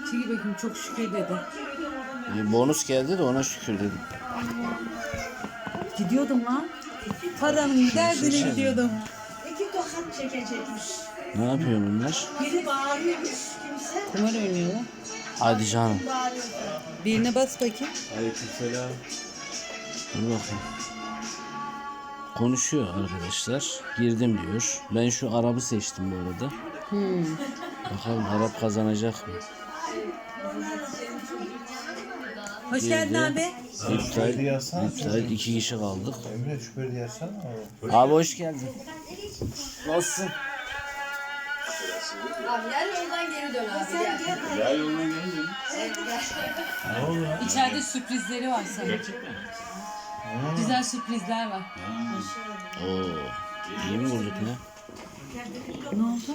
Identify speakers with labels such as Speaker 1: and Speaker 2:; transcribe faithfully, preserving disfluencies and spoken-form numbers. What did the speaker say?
Speaker 1: Çekil bakayım, çok şükür dedi.
Speaker 2: E, bonus geldi de ona şükür dedim.
Speaker 1: Gidiyordum lan. Paranın derdine
Speaker 2: şey.
Speaker 1: gidiyordum.
Speaker 3: İki tokat çekecekmiş.
Speaker 2: Ne yapıyor bunlar?
Speaker 3: Biri bağırıyormuş kimse.
Speaker 1: Kumar oynuyor lan.
Speaker 2: Hadi canım.
Speaker 3: Bağırıyor.
Speaker 1: Birine bas bakayım.
Speaker 4: Aleykümselam.
Speaker 2: Dur bakayım. Konuşuyor arkadaşlar. Girdim diyor. Ben şu Arap'ı seçtim bu arada.
Speaker 1: Hmm.
Speaker 2: Bakalım Arap kazanacak mı?
Speaker 1: Hoş geldin abi.
Speaker 2: İptal,
Speaker 4: Şüpheli yazsana.
Speaker 2: iptal. iki kişi kaldık.
Speaker 4: Emre şüpheli yazsana.
Speaker 2: Abi hoş geldin. Nasılsın?
Speaker 5: Abi yer yoldan geri dön abi. Gel.
Speaker 4: Ya yoluna geldin. Ne oldu?
Speaker 1: İçeride sürprizleri var sana. Güzel sürprizler var.
Speaker 2: Oo. İyi mi vurduk ne?
Speaker 1: Ne oldu?